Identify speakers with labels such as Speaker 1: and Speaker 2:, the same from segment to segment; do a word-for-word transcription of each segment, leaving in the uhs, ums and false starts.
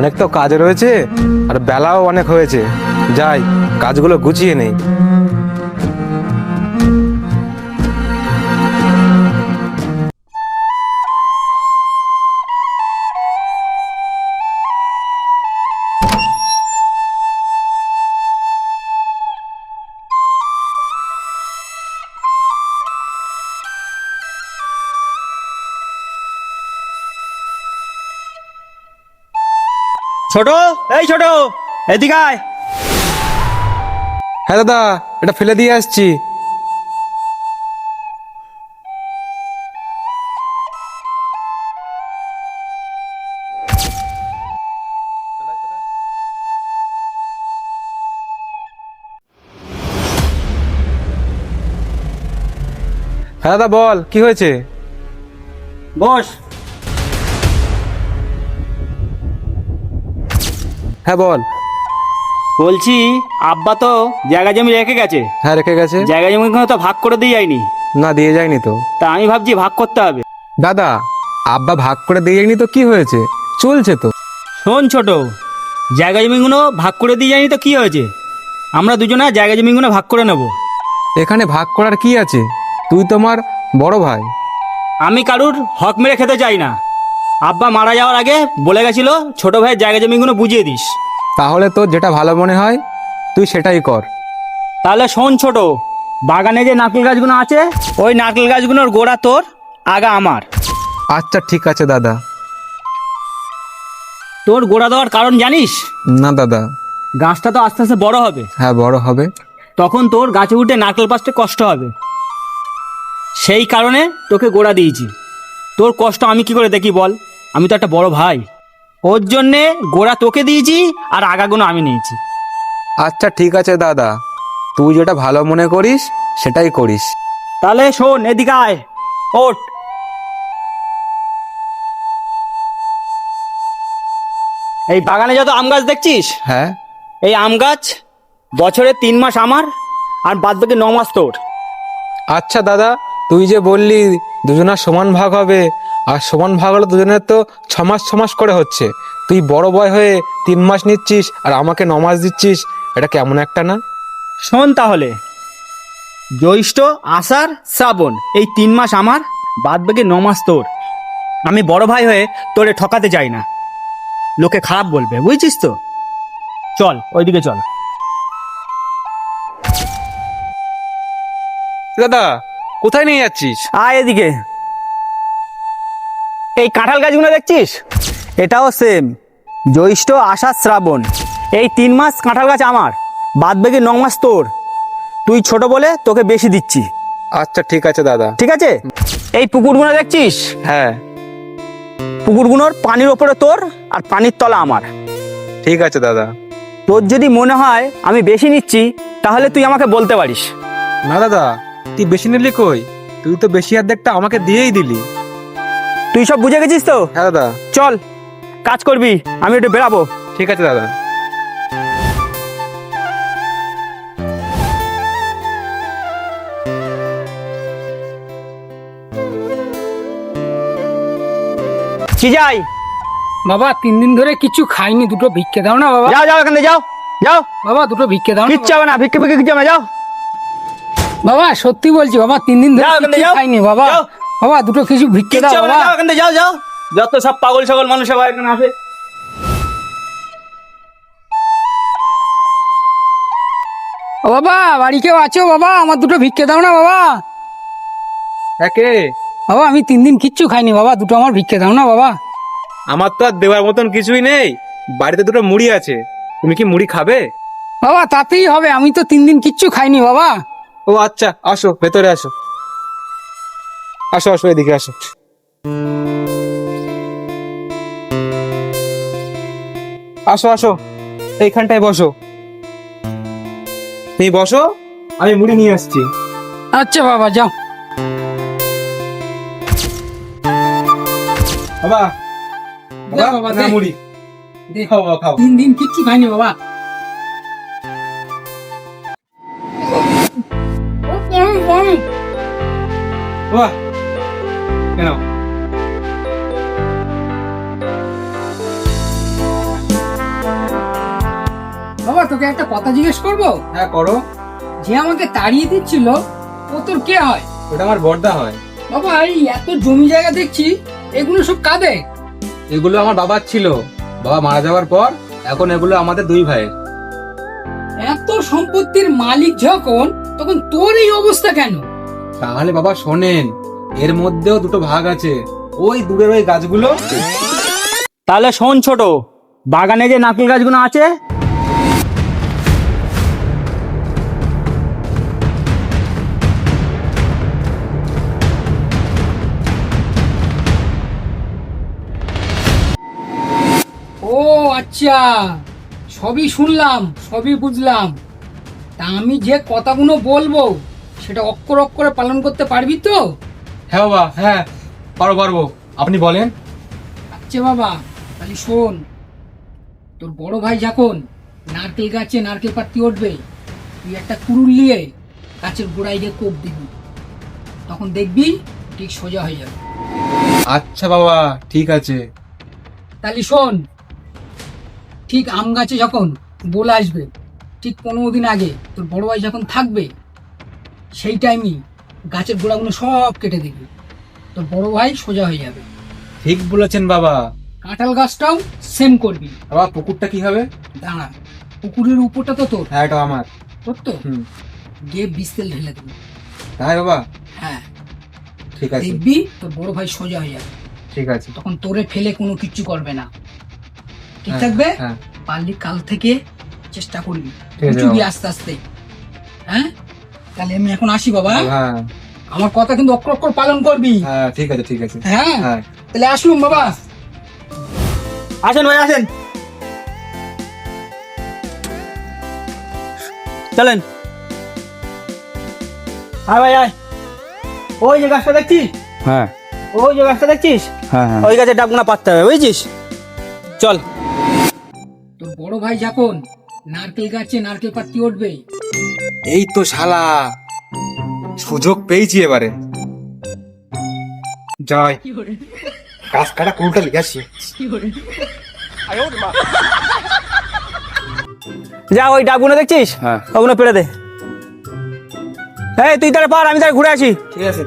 Speaker 1: অনেক তো কাজ রয়েছে আর বেলাও অনেক হয়েছে, যাই কাজগুলো গুছিয়ে নেই।
Speaker 2: ছোট, এই ছোট, এদিকে আয়।
Speaker 1: হ্যাঁ দাদা, এটা ফেলে দিয়ে আসছি। হ্যাঁ দাদা বল, কি হয়েছে?
Speaker 2: বস।
Speaker 1: হ্যাঁ বল।
Speaker 2: বলছি, আব্বা তো জায়গা জমি রেখে গেছে।
Speaker 1: হ্যাঁ রেখে গেছে।
Speaker 2: জায়গা জমি তো ভাগ করে দিয়ে যায়নি।
Speaker 1: না দিয়ে যায়নি তো।
Speaker 2: তা আমি ভাবছি ভাগ করতে হবে।
Speaker 1: দাদা, আব্বা ভাগ করে দিয়ে যায়নি তো কি হয়েছে, চলছে তো।
Speaker 2: শোন ছোট, জায়গা জমিগুলো ভাগ করে দিয়ে যায়নি তো কি হয়েছে, আমরা দুজনে জায়গা জমিগুলো ভাগ করে নেব।
Speaker 1: এখানে ভাগ করার কি আছে? তুই তোমার বড় ভাই।
Speaker 2: আমি কারুর হক মেরে খেতে চাই না। আব্বা মারা যাওয়ার আগে বলে গেছিল ছোট ভাইয়ের জায়গা জমিগুলো বুঝিয়ে দিস।
Speaker 1: তাহলে তোর যেটা ভালো মনে হয় তুই সেটাই কর।
Speaker 2: তাহলে শোন ছোট, বাগানে যে নারকেল গাছগুলো আছে ওই নারকেল গাছগুলোর গোড়া তোর, আগা আমার।
Speaker 1: আচ্ছা ঠিক আছে দাদা।
Speaker 2: তোর গোড়া দেওয়ার কারণ জানিস?
Speaker 1: না দাদা।
Speaker 2: গাছটা তো আস্তে আস্তে বড় হবে,
Speaker 1: হ্যাঁ বড় হবে।
Speaker 2: তখন তোর গাছে উঠে নারকেল পাড়তে কষ্ট হবে। সেই কারণে তোকে গোড়া দিয়েছি। তোর কষ্ট আমি কি করে দেখি বল, আমি তো একটা বড় ভাই। ওর জন্যে গোড়া তোকে দিয়েছি আর আগাগুলো আমি নিয়েছি।
Speaker 1: আচ্ছা ঠিক আছে দাদা, তুই যেটা ভালো মনে করিস সেটাই করিস।
Speaker 2: তাহলে শোন, এদিকে আয়, ওঠ। এই বাগানে যত আম গাছ দেখছিস,
Speaker 1: হ্যাঁ।
Speaker 2: এই আম গাছ বছরে তিন মাস আমার আর বাদ বাকি ন মাস তোর।
Speaker 1: আচ্ছা দাদা, তুই যে বললি দুজনের সমান ভাগ হবে, আর সমান ভাগ হলে দুজনের তো ছ মাস ছ মাস করে হচ্ছে। তুই বড় বয় হয়ে তিন মাস নিচ্ছিস আর আমাকে ন মাস দিচ্ছিস, এটা কেমন একটা না?
Speaker 2: শোন তাহলে, জ্যৈষ্ঠ, আষাঢ়, শ্রাবণ এই তিন মাস আমার, বাদ বাকি ন মাস তোর। আমি বড় ভাই হয়ে তোরে ঠকাতে চাই না, লোকে খারাপ বলবে, বুঝছিস তো। চল ওইদিকে চল।
Speaker 1: দাদা কোথায় নিয়ে যাচ্ছিস?
Speaker 2: আয় এদিকে। এই কাঁঠাল গাছগুলো দেখছিস, এটাও সেম, জ্যৈষ্ঠ, আষাঢ়, শ্রাবণ এই তিন মাস কাঁঠাল গাছ আমার, বাদ বাকি ন মাস তোর। তুই ছোট বলে তোকে বেশি দিচ্ছি।
Speaker 1: আচ্ছা ঠিক আছে দাদা।
Speaker 2: ঠিক আছে। এই পুকুরগুলো দেখছিস,
Speaker 1: হ্যাঁ।
Speaker 2: পুকুরগুলোর পানির ওপরে তোর আর পানির তলা আমার।
Speaker 1: ঠিক আছে দাদা।
Speaker 2: তোর যদি মনে হয় আমি বেশি নিচ্ছি তাহলে তুই আমাকে বলতে পারিস।
Speaker 1: না দাদা, তুই বেশি নিলি কই, তুই তো বেশি অর্ধেকটা আমাকে দিয়েই দিলি।
Speaker 2: তুই সব বুঝে গেছিস তো?
Speaker 1: হ্যাঁ দাদা।
Speaker 2: চল কাজ করবি, আমি একটু বেরাবো।
Speaker 1: ঠিক আছে দাদা।
Speaker 2: কি যাই?
Speaker 3: বাবা তিন দিন ধরে কিছু খাইনি, দুটো ভিক্ষে দাও না বাবা।
Speaker 2: যাও যাও এখান থেকে যাও, যাও।
Speaker 3: বাবা দুটো ভিক্ষে দাও না
Speaker 2: কিচ্ছু হবে না, ভিক্ষে ভিক্ষে কিচ্ছু হবে না, যাও।
Speaker 3: বাবা, সত্যি বলছি বাবা, তিন দিন ধরে
Speaker 2: যাও এখান থেকে,
Speaker 3: কিছু
Speaker 2: যাও।
Speaker 3: খাইনি বাবা।
Speaker 2: যাও।
Speaker 3: বাবা দুটো কিছু ভিক্ষে দাও
Speaker 2: কিচ্ছু হবে না,
Speaker 3: বাবা।
Speaker 2: যাও এখান থেকে, যাও যাও। যত সব পাগল ছাগল মানুষ সবাই এখানে আসে।
Speaker 3: ও বাবা, বাড়ি কেউ আছো বাবা? আমার দুটো ভিক্ষে দাও না বাবা।
Speaker 1: একে
Speaker 3: বাবা আমি তিন দিন কিচ্ছু খাইনি বাবা, দুটো আমার ভিক্ষে দাও না বাবা।
Speaker 1: আমার তো আর দেওয়ার মতন কিছুই নেই, বাড়িতে দুটো মুড়ি আছে, তুমি কি মুড়ি খাবে?
Speaker 3: বাবা তাতেই হবে, আমি তো তিন দিন কিচ্ছু খাইনি বাবা।
Speaker 1: ও আচ্ছা, আসো ভেতরে আসো, আসো আসো এদিকে আসো। আসো আসো, এইখানটায় বসো। তুমি বসো, আমি মুড়ি নিয়ে আসছি।
Speaker 3: আচ্ছা বাবা যাও।
Speaker 1: বাবা
Speaker 3: দে বাবা,
Speaker 1: না
Speaker 3: দে।
Speaker 1: মুড়ি
Speaker 3: দে।
Speaker 1: খাও বাবা, খাও।
Speaker 3: তিন দিন কিচ্ছু খাইনি বাবা।
Speaker 1: বাবা কেন?
Speaker 3: বাবা তোকে একটা কথা জিজ্ঞেস করবো?
Speaker 1: হ্যাঁ করো।
Speaker 3: যে আমাকে তাড়িয়ে দিচ্ছিল ও তোর কে হয়?
Speaker 1: ওটা আমার বড়দা হয়।
Speaker 3: বাবা এই এত জমি জায়গা দেখছি, এগুলো সব কাদের?
Speaker 1: এগুলো আমার বাবার ছিল, বাবা মারা যাওয়ার পর এখন এগুলো আমাদের দুই ভাইয়ের।
Speaker 3: এত সম্পত্তির মালিক যখন, তখন তোর এই অবস্থা কেন?
Speaker 1: তাহলে বাবা শোনেন, এর মধ্যেও দুটো ভাগ আছে, ওই দূরের ওই গাছগুলো।
Speaker 2: তাহলে শোন ছোট, বাগানে যে নারকেল গাছগুলো আছে
Speaker 3: ও আচ্ছা, সবই শুনলাম, সবই বুঝলাম। তা আমি যে কথাগুলো বলবো সেটা অক্ষর অক্ষরে পালন করতে পারবি তো?
Speaker 1: হ্যাঁ বাবা, হ্যাঁ পারবো পারবো, আপনি বলেন।
Speaker 3: আচ্ছা বাবা, তাহলে শোন, তোর বড় ভাই যখন নারকেল গাছে নারকেল পাত্তি উঠবে, তুই একটা কুড়ুল নিয়ে গাছের গোড়ায় গিয়ে কোপ দিবি, তখন দেখবি ঠিক সোজা হয়ে যাবে।
Speaker 1: আচ্ছা বাবা, ঠিক আছে।
Speaker 3: তাহলে শোন, ঠিক আম গাছে যখন বোল আসবে, ঠিক পনেরো দিন আগে তোর বড় ভাই যখন থাকবে, সেই টাইমই গাছের গোড়াগুলো সব কেটে দিবি, তোর বড় ভাই সোজা হয়ে যাবে।
Speaker 1: ঠিক বলেছেন বাবা।
Speaker 3: কাঁঠাল গাছটাও সেম করবি।
Speaker 1: বাবা পুকুরটা কি হবে?
Speaker 3: দাঁড়া, পুকুরের উপরটা তো তোর,
Speaker 1: হ্যাঁ এটা আমার।
Speaker 3: তোর তো
Speaker 1: হুম।
Speaker 3: গিয়ে বিষ তেল ঢেলে দিবি।
Speaker 1: তাই বাবা,
Speaker 3: হ্যাঁ,
Speaker 1: ঠিক আছে
Speaker 3: দেখবি তোর বড় ভাই সোজা হয়ে যাবে,
Speaker 1: ঠিক আছে।
Speaker 3: তখন তোরে ফেলে কোনো কিচ্ছু করবে না, ঠিক
Speaker 1: হ্যাঁ,
Speaker 3: থাকবে?
Speaker 1: হ্যাঁ
Speaker 3: পারলি কাল থেকে চেষ্টা করবি,
Speaker 1: ঠিক আছে
Speaker 3: বুঝবি
Speaker 1: বাবা।
Speaker 3: আস্তে আস্তে। হ্যাঁ, তাহলে আমি এখন আসি বাবা।
Speaker 1: হ্যাঁ
Speaker 3: আমার কথা কিন্তু অক্ষর অক্ষর পালন করবি।
Speaker 1: হ্যাঁ ঠিক আছে ঠিক আছে।
Speaker 3: হ্যাঁ,
Speaker 1: হ্যাঁ
Speaker 3: তাহলে আসলুম বাবা।
Speaker 2: আসেন ভাই আসেন, চলেন। আয় ভাই আয়, ওই যে গাছটা দেখছিস,
Speaker 4: হ্যাঁ
Speaker 2: ওই যে গাছটা দেখছিস,
Speaker 4: হ্যাঁ হ্যাঁ
Speaker 2: ওই গাছের ডাবগুনা পাততে হবে, বুঝছিস? চল।
Speaker 3: তোর বড় ভাই যখন নারকেল গাছে নারকেল পাত্তি উঠবে,
Speaker 1: এই তো শালা সুযোগ পেয়েছি এবারে। জয়, গাছ কাটা কুলটা লিখে আসি।
Speaker 2: যা ওই ডাবগুলো দেখছিস,
Speaker 4: হ্যাঁ।
Speaker 2: ওগুলো পেড়ে দে। এই তুই তাহলে পার, আমি তাহলে ঘুরে আসি।
Speaker 1: ঠিক আছে।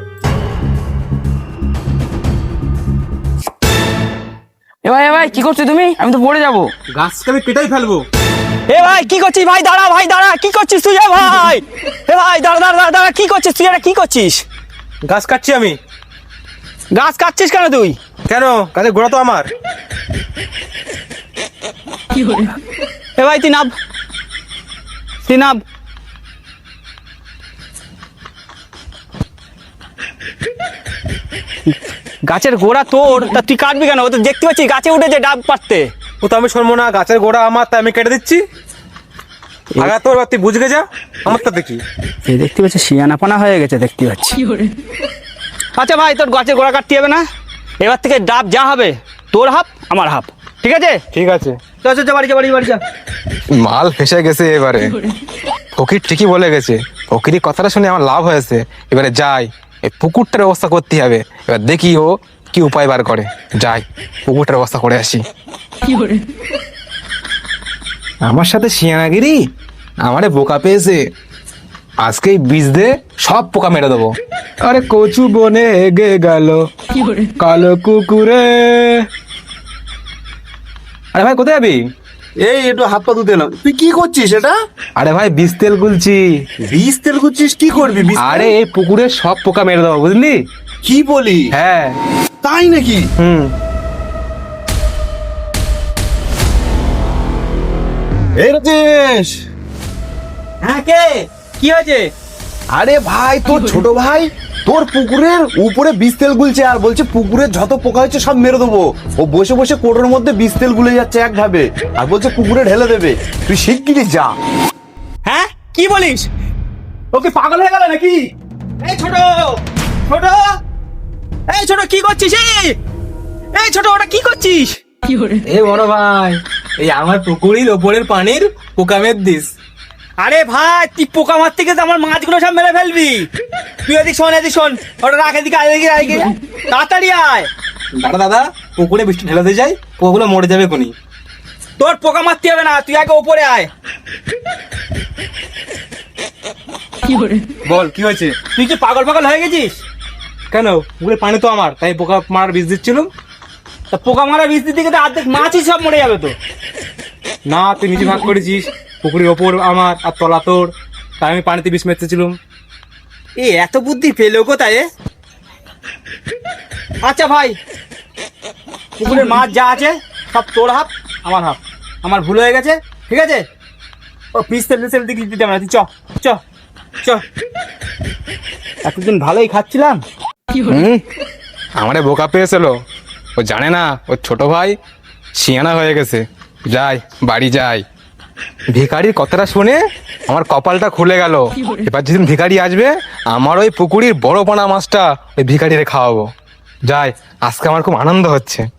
Speaker 3: এ ভাই এ ভাই কি করছো তুমি? আমি তো পড়ে যাবো।
Speaker 1: গাছটা আমি কেটেই ফেলবো।
Speaker 2: এ ভাই কি করছিস? ভাই দাঁড়া, ভাই দাঁড়া, কি করছিস তুই? এ ভাই, এ ভাই দাঁড়া দাঁড়া দাঁড়া দাঁড়া, কি করছিস তুই? এটা কি করছিস?
Speaker 1: গাছ কাটছি আমি।
Speaker 2: গাছ কাটছিস কেন তুই?
Speaker 1: কেন? গাছের গোড়া তো আমার।
Speaker 2: এ ভাই তুই নাব, তুই নাব। গাছের গোড়া তোর, তা তুই কাটবি কেন? ও তো দেখতে পাচ্ছিস গাছে উঠেছে ডাব পাততে।
Speaker 1: ও তো আমি শুনবো না, গাছের গোড়া আমার, তাই আমি কেটে দিচ্ছি। আগা তোর বাদ, তুই বুঝে যা, আমার তো দেখি।
Speaker 2: এ দেখতে পাচ্ছি শিয়ানাপানা হয়ে গেছে, দেখতে পাচ্ছি। আচ্ছা ভাই, তোর গাছের গোড়া কাটতে হবে না, এবার থেকে ডাব যা হবে তোর হাফ আমার হাফ, ঠিক আছে?
Speaker 1: ঠিক আছে।
Speaker 2: চল চল চল, বাড়ি যা বাড়ি বাড়ি যা।
Speaker 1: মাল ফেসে গেছে এবারে। ফকির ঠিকই বলে গেছে, ফকিরি কথাটা শুনে আমার লাভ হয়েছে। এবারে যাই, এই পুকুরটার ব্যবস্থা করতে হবে। এবার দেখি ও কি উপায় বার করে। যাই, পুকুরটার ব্যবস্থা করে আসি। আমার সাথে শিয়ানাগিরি, আমারে বোকা পেয়েছে। আজকেই বীজ দে, সব পোকা মেরে দেবো। আরে কচু বনে এগে গেল কালো কুকুরে। আরে ভাই কোথায় যাবি?
Speaker 4: এই একটু হাত পা ধুতে এলাম। তুই কি করছিস এটা?
Speaker 1: আরে ভাই বীজ তেল গুলছি।
Speaker 4: বীজ তেল করছিস? কি করবি বীজ তেল?
Speaker 1: আরে এই পুকুরে সব পোকা মেরে দেবো, বুঝলি?
Speaker 4: কি বলি?
Speaker 1: হ্যাঁ।
Speaker 4: তাই নাকি?
Speaker 1: হুম।
Speaker 4: এই রাজেশ,
Speaker 2: হ্যাঁ কে? কি হয়েছে?
Speaker 4: আরে ভাই তোর ছোট ভাই তোর পুকুরের উপরে বীজ তেল গুলছে আর বলছে পুকুরের যত পোকা হচ্ছে সব মেরে দেবো। ও বসে বসে কোটোর মধ্যে বীজ তেল গুলে যাচ্ছে এক ঢাবে, আর বলছে পুকুরে ঢেলে দেবে। তুই শিগগিরই যা।
Speaker 2: হ্যাঁ কি বলিস? ওকে পাগল হয়ে গেল নাকি? এই ছোট ছোট, এই ছোট কি করছিস? এই এই ছোট, ওটা কি করছিস?
Speaker 1: এ বড় ভাই, এই আমার পুকুরের ওপরের পানির পোকা মেরে দিস।
Speaker 2: আরে ভাই তুই পোকা মারতে গেছে আমার মাছগুলো সব মেরে ফেলবি। তুই এদিক শোন, এদিক শোন, ওটা রাখ এদিকে, আয় এদিকে, আয় এদিকে, তাড়াতাড়ি আয়।
Speaker 1: দাদা দাদা, পুকুরে বৃষ্টি ঢেলাতে যাই, পোকাগুলো মরে যাবে কোনি।
Speaker 2: তোর পোকা মারতে হবে না, তুই আগে ওপরে আয়।
Speaker 1: বল কি হয়েছে?
Speaker 2: তুই কি পাগল পাগল হয়ে গেছিস?
Speaker 1: কেন, পুকুরের পানি তো আমার, তাই পোকা মারার বীজ দিচ্ছিলাম।
Speaker 2: তা পোকা মারা বীজ দিতে গেলে অর্ধেক মাছই সব মরে যাবে তো।
Speaker 1: না, তুই নিজে ভাগ করেছিস, পুকুরের ওপর আমার আর তলা তোর, তাই আমি পানিতে বিষ মেরতেছিলাম।
Speaker 2: এ এত বুদ্ধি পেলো কোথায় এ? আচ্ছা ভাই, পুকুরের মাছ যা আছে সব তোর হাফ আমার হাফ, আমার ভুল হয়ে গেছে, ঠিক আছে? ও পিস তেল তেল দিকে দিতে হবে না, তুই চ চ চ। এতদিন ভালোই খাচ্ছিলাম।
Speaker 1: হুম, আমারে বোকা পেয়েছিল, ও জানে না ওর ছোট ভাই শিয়ানা হয়ে গেছে। যাই, বাড়ি যাই। ভিখারির কথাটা শুনে আমার কপালটা খুলে গেল। এবার যেদিন ভিখারি আসবে, আমার ওই পুকুরির বড় পানা মাছটা ওই ভিখারিরে খাওয়াবো। যাই, আজকে আমার খুব আনন্দ হচ্ছে।